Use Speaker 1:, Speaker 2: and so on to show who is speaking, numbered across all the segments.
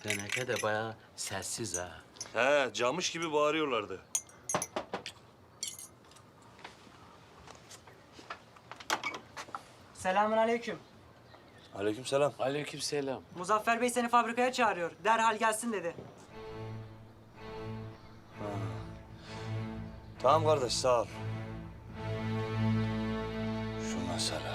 Speaker 1: Teneke de bayağı sessiz ha.
Speaker 2: He, camış gibi bağırıyorlardı.
Speaker 3: Selamünaleyküm.
Speaker 2: Aleykümselam.
Speaker 1: Aleykümselam.
Speaker 3: Muzaffer Bey seni fabrikaya çağırıyor. Derhal gelsin dedi.
Speaker 2: Tamam kardeş, sağ ol. Şu mesele.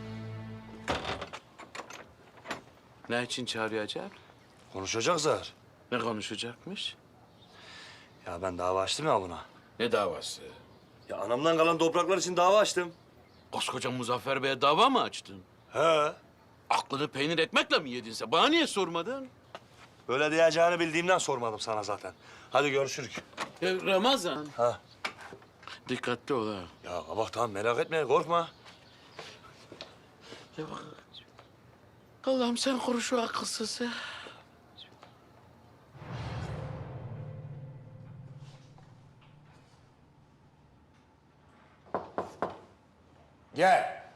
Speaker 1: Ne için çağırıyor acaba?
Speaker 2: Konuşacak zar.
Speaker 1: Ne konuşacakmış?
Speaker 2: Ya ben dava açtım ya buna.
Speaker 1: Ne davası?
Speaker 2: Ya anamdan kalan topraklar için dava açtım.
Speaker 1: Koskoca Muzaffer Bey'e dava mı açtın?
Speaker 2: He.
Speaker 1: Aklını peynir ekmekle mi yedin sen? Bana niye sormadın?
Speaker 2: Böyle diyeceğini bildiğimden sormadım sana zaten. Hadi görüşürük.
Speaker 1: Ya Ramazan.
Speaker 2: Ha.
Speaker 1: Dikkatli ol ha.
Speaker 2: Ya bak tamam, merak etme, korkma.
Speaker 1: Ya bak. Allah'ım sen koru şu akılsızı.
Speaker 4: Gel.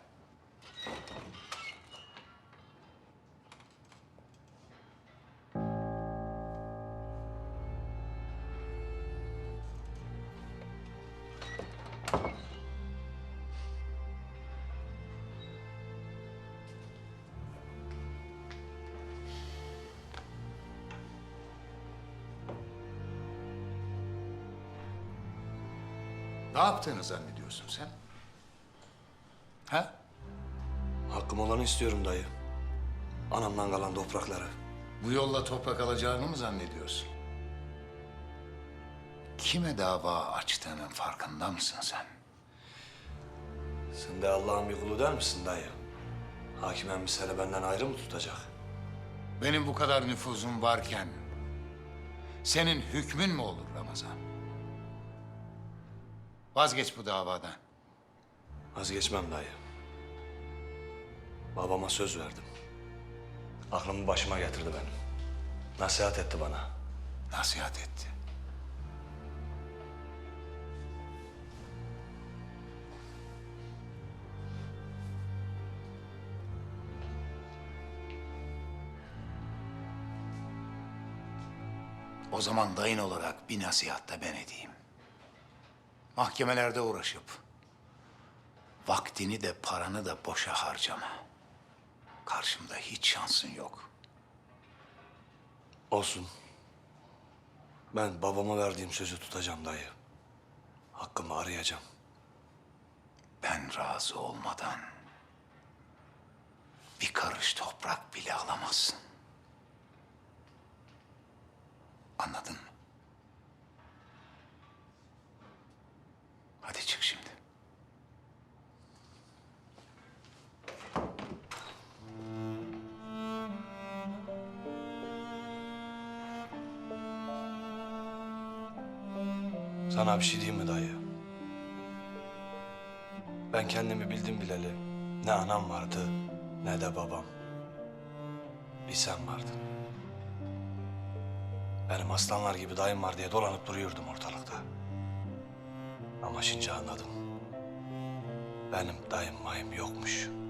Speaker 4: Ne yaptığını zannediyorsun sen? Ha?
Speaker 2: Hakkım olanı istiyorum dayı. Anamdan kalan toprakları.
Speaker 4: Bu yolla toprak alacağını mı zannediyorsun? Kime dava açtığının farkında mısın sen?
Speaker 2: Sen de Allah'ın bir kulu der misin dayı? Hakim emmi seni benden ayrı mı tutacak?
Speaker 4: Benim bu kadar nüfuzum varken senin hükmün mü olur Ramazan? Vazgeç bu davadan.
Speaker 2: Vazgeçmem dayı. Babama söz verdim. Aklımı başıma getirdi benim. Nasihat etti bana.
Speaker 4: Nasihat etti. O zaman dayın olarak bir nasihat da ben edeyim. Mahkemelerde uğraşıp vaktini de paranı da boşa harcama. Karşımda hiç şansın yok.
Speaker 2: Olsun. Ben babama verdiğim sözü tutacağım dayı. Hakkımı arayacağım.
Speaker 4: Ben razı olmadan bir karış toprak bile alamazsın. Anladın mı? Hadi çık şimdi.
Speaker 2: Sana bir şey diyeyim mi dayı? Ben kendimi bildim bileli. Ne anam vardı ne de babam. Bir sen vardın. Benim aslanlar gibi dayım var diye dolanıp duruyordum ortalıkta. Ama şimdi anladım. Benim dayım mayım yokmuş.